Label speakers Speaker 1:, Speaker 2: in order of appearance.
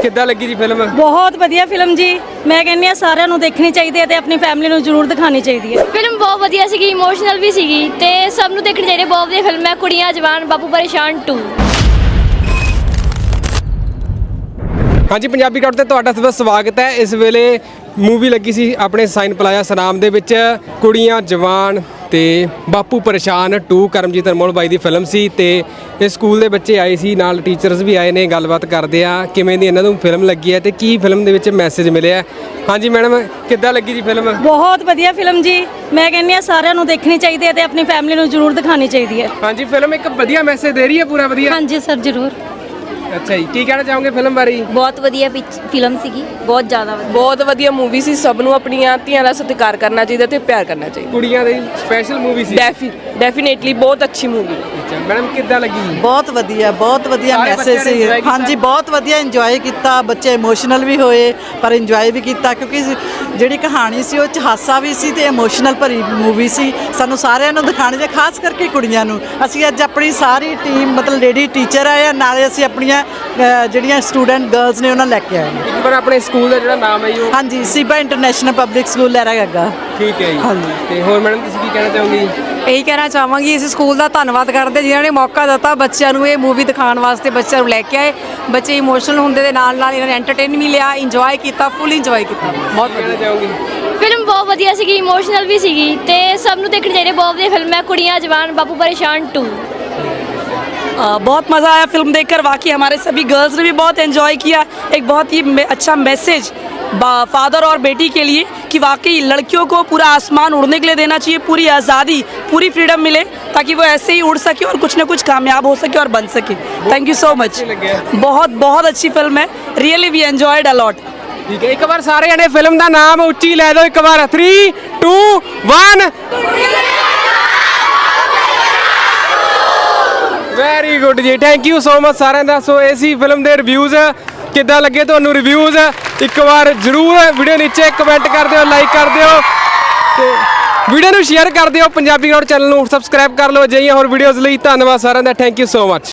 Speaker 1: ਕਿੱਦਾਂ ਲੱਗੀ ਜੀ ਫਿਲਮ?
Speaker 2: ਬਹੁਤ ਵਧੀਆ ਫਿਲਮ ਜੀ। ਮੈਂ ਕਹਿੰਦੀ ਆ ਸਾਰਿਆਂ ਨੂੰ ਦੇਖਣੀ ਚਾਹੀਦੀ ਹੈ ਤੇ ਆਪਣੀ ਫੈਮਿਲੀ ਨੂੰ ਜ਼ਰੂਰ ਦਿਖਾਣੀ ਚਾਹੀਦੀ ਹੈ।
Speaker 3: ਫਿਲਮ ਬਹੁਤ ਵਧੀਆ ਸੀਗੀ, ਇਮੋਸ਼ਨਲ ਵੀ ਸੀਗੀ ਤੇ ਸਭ ਨੂੰ ਦੇਖਣੀ ਚਾਹੀਦੀ ਹੈ। ਬਹੁਤ ਵਧੀਆ ਫਿਲਮ ਹੈ ਕੁੜੀਆਂ ਜਵਾਨ ਬਾਪੂ ਪਰੇਸ਼ਾਨ 2।
Speaker 1: ਹਾਂਜੀ, ਪੰਜਾਬੀ ਕੱਟ ਤੇ ਤੁਹਾਡਾ ਸਭ ਦਾ ਸਵਾਗਤ ਹੈ। ਇਸ ਵੇਲੇ ਮੂਵੀ ਲੱਗੀ ਸੀ ਆਪਣੇ ਸਾਈਨ ਪਲਾਜ਼ਾ ਸਨਾਮ ਦੇ ਵਿੱਚ, ਕੁੜੀਆਂ ਜਵਾਨ ਤੇ ਬਾਪੂ ਪਰੇਸ਼ਾਨ 2। ਕਰਮਜੀਤ ਅਨਮੋਲ ਬਾਈ ਦੀ ਫਿਲਮ ਸੀ ਤੇ ਇਸ ਸਕੂਲ ਦੇ ਬੱਚੇ ਆਏ ਸੀ, ਨਾਲ ਟੀਚਰਸ ਵੀ ਆਏ ਨੇ। ਗੱਲਬਾਤ ਕਰਦੇ ਆ ਕਿਵੇਂ ਦੀ ਇਹਨਾਂ ਨੂੰ ਫਿਲਮ ਲੱਗੀ ਹੈ ਤੇ ਕੀ ਫਿਲਮ ਦੇ ਵਿੱਚ ਮੈਸੇਜ ਮਿਲਿਆ। ਹਾਂਜੀ ਮੈਡਮ, ਕਿੱਦਾਂ ਲੱਗੀ ਜੀ ਫਿਲਮ?
Speaker 2: ਬਹੁਤ ਵਧੀਆ ਫਿਲਮ ਜੀ। ਮੈਂ ਕਹਿੰਦੀ ਆ ਸਾਰਿਆਂ ਨੂੰ ਦੇਖਣੀ ਚਾਹੀਦੀ ਹੈ ਤੇ ਆਪਣੀ ਫੈਮਿਲੀ ਨੂੰ ਜ਼ਰੂਰ ਦਿਖਾਣੀ ਚਾਹੀਦੀ ਹੈ।
Speaker 1: ਹਾਂਜੀ, ਫਿਲਮ ਇੱਕ ਵਧੀਆ ਮੈਸੇਜ ਦੇ ਰਹੀ ਹੈ, ਪੂਰਾ ਵਧੀਆ।
Speaker 2: ਹਾਂਜੀ ਸਰ, ਜ਼ਰੂਰ।
Speaker 1: ਅੱਛਾ ਜੀ, ਕੀ ਕਹਿਣਾ ਚਾਹੋਗੇ ਫਿਲਮ ਬਾਰੇ?
Speaker 3: ਬਹੁਤ ਵਧੀਆ ਫਿਲਮ ਸੀਗੀ, ਬਹੁਤ ਜ਼ਿਆਦਾ ਵਧੀਆ।
Speaker 4: ਬਹੁਤ ਵਧੀਆ ਮੂਵੀ ਸੀ। ਸਭ ਨੂੰ ਆਪਣੀਆਂ ਧੀਆਂ ਦਾ ਸਤਿਕਾਰ ਕਰਨਾ ਚਾਹੀਦਾ ਤੇ ਪਿਆਰ ਕਰਨਾ ਚਾਹੀਦਾ।
Speaker 1: ਕੁੜੀਆਂ ਦੀ ਸਪੈਸ਼ਲ ਮੂਵੀ ਸੀ।
Speaker 4: ਡੈਫੀਨੇਟਲੀ ਬਹੁਤ ਅੱਛੀ ਮੂਵੀ।
Speaker 1: ਅੱਛਾ ਮੈਡਮ, ਕਿੱਦਾਂ ਲੱਗੀ?
Speaker 5: ਬਹੁਤ ਵਧੀਆ ਮੈਸੇਜ ਸੀ। ਹਾਂਜੀ, ਬਹੁਤ ਵਧੀਆ ਇੰਜੋਏ ਕੀਤਾ। ਬੱਚੇ ਇਮੋਸ਼ਨਲ ਵੀ ਹੋਏ ਪਰ ਇੰਜੋਏ ਵੀ ਕੀਤਾ, ਕਿਉਂਕਿ ਜਿਹੜੀ ਕਹਾਣੀ ਸੀ ਉਹ 'ਚ ਹਾਸਾ ਵੀ ਸੀ ਤੇ ਇਮੋਸ਼ਨਲ ਭਰੀ ਮੂਵੀ ਸੀ। ਸਾਨੂੰ ਸਾਰਿਆਂ ਨੂੰ ਦਿਖਾਣੀ ਚਾਹੀਦੀ, ਖਾਸ ਕਰਕੇ ਕੁੜੀਆਂ ਨੂੰ। ਅਸੀਂ ਅੱਜ ਆਪਣੀ ਸਾਰੀ ਟੀਮ ਮਤਲਬ ਲੇਡੀ ਟੀਚਰ ਆਏ ਆ, ਨਾਲੇ ਅਸੀਂ ਆਪਣੀਆਂ ਜਿਹੜੀਆਂ ਸਟੂਡੈਂਟ ਗਰਲਸ ਨੇ ਉਹਨਾਂ ਲੈ ਕੇ ਆਏ ਨੇ।
Speaker 1: ਇੱਕ ਵਾਰ ਆਪਣੇ ਸਕੂਲ ਦਾ ਜਿਹੜਾ ਨਾਮ ਹੈ ਉਹ?
Speaker 5: ਹਾਂਜੀ, Seeba international public school Lehra Gaga.
Speaker 1: ਠੀਕ ਹੈ ਜੀ।
Speaker 5: ਹਾਂਜੀ।
Speaker 1: ਤੇ ਹੋਰ ਮੈਡਮ ਤੁਸੀਂ ਕੀ ਕਹਿਣਾ ਚਾਹੋਗੇ?
Speaker 6: ਇਹੀ ਕਹਿਣਾ ਚਾਹਾਂਗੀ, ਇਸ ਸਕੂਲ ਦਾ ਧੰਨਵਾਦ ਕਰਦੇ ਜਿਨ੍ਹਾਂ ਨੇ ਮੌਕਾ ਦਿੱਤਾ ਬੱਚਿਆਂ ਨੂੰ ਇਹ ਮੂਵੀ ਦਿਖਾਉਣ ਵਾਸਤੇ। ਬੱਚਿਆਂ ਨੂੰ ਲੈ ਕੇ ਆਏ, ਬੱਚੇ ਇਮੋਸ਼ਨਲ ਹੁੰਦੇ ਦੇ ਨਾਲ ਨਾਲ ਇਹਨਾਂ ਨੇ ਐਂਟਰਟੇਨ ਵੀ ਲਿਆ, ਇੰਜੋਏ ਕੀਤਾ, ਫੁੱਲ ਇੰਜੋਏ ਕੀਤਾ। ਬਹੁਤ
Speaker 1: ਕਹਿਣਾ ਚਾਹੋਗੇ?
Speaker 3: ਫਿਲਮ ਬਹੁਤ ਵਧੀਆ ਸੀਗੀ, ਇਮੋਸ਼ਨਲ ਵੀ ਸੀਗੀ ਤੇ ਸਭ ਨੂੰ ਦੇਖਣੀ ਚਾਹੀਦੀ ਹੈ। ਬਹੁਤ ਵਧੀਆ ਫਿਲਮ ਹੈ ਕੁੜੀਆਂ ਜਵਾਨ ਬਾਪੂ परेशान 2।
Speaker 6: बहुत मज़ा आया फिल्म देखकर। वाकई हमारे सभी गर्ल्स ने भी बहुत एंजॉय किया। एक बहुत ही अच्छा मैसेज फादर और बेटी के लिए कि वाकई लड़कियों को पूरा आसमान उड़ने के लिए देना चाहिए, पूरी आज़ादी, पूरी फ्रीडम मिले ताकि वो ऐसे ही उड़ सके और कुछ ना कुछ कामयाब हो सके और बन सके। Thank you so much. बहुत बहुत अच्छी फिल्म है, really we enjoyed a lot.
Speaker 1: ठीक है, एक बार सारे जने फिल्म का नाम उच्ची लै दो। एक बार 3 2 1। ਵੈਰੀ ਗੁੱਡ ਜੀ, ਥੈਂਕ ਯੂ ਸੋ ਮਚ ਸਾਰਿਆਂ ਦਾ। ਸੋ ਇਹ ਸੀ ਫਿਲਮ ਦੇ ਰਿਵਿਊਜ਼। ਕਿੱਦਾਂ ਲੱਗੇ ਤੁਹਾਨੂੰ ਰਿਵਿਊਜ਼? ਇੱਕ ਵਾਰ ਜ਼ਰੂਰ ਵੀਡੀਓ ਨੀਚੇ ਕਮੈਂਟ ਕਰ ਦਿਓ, ਲਾਈਕ ਕਰ ਦਿਓ ਤੇ ਵੀਡੀਓ ਨੂੰ ਸ਼ੇਅਰ ਕਰ ਦਿਓ। ਪੰਜਾਬੀ ਗਰਾਊਂਡ ਚੈਨਲ ਨੂੰ ਸਬਸਕ੍ਰਾਈਬ ਕਰ ਲਓ। ਅਜਿਹੀਆਂ ਹੋਰ ਵੀਡੀਓਜ਼ ਲਈ ਧੰਨਵਾਦ ਸਾਰਿਆਂ ਦਾ। Thank you so much.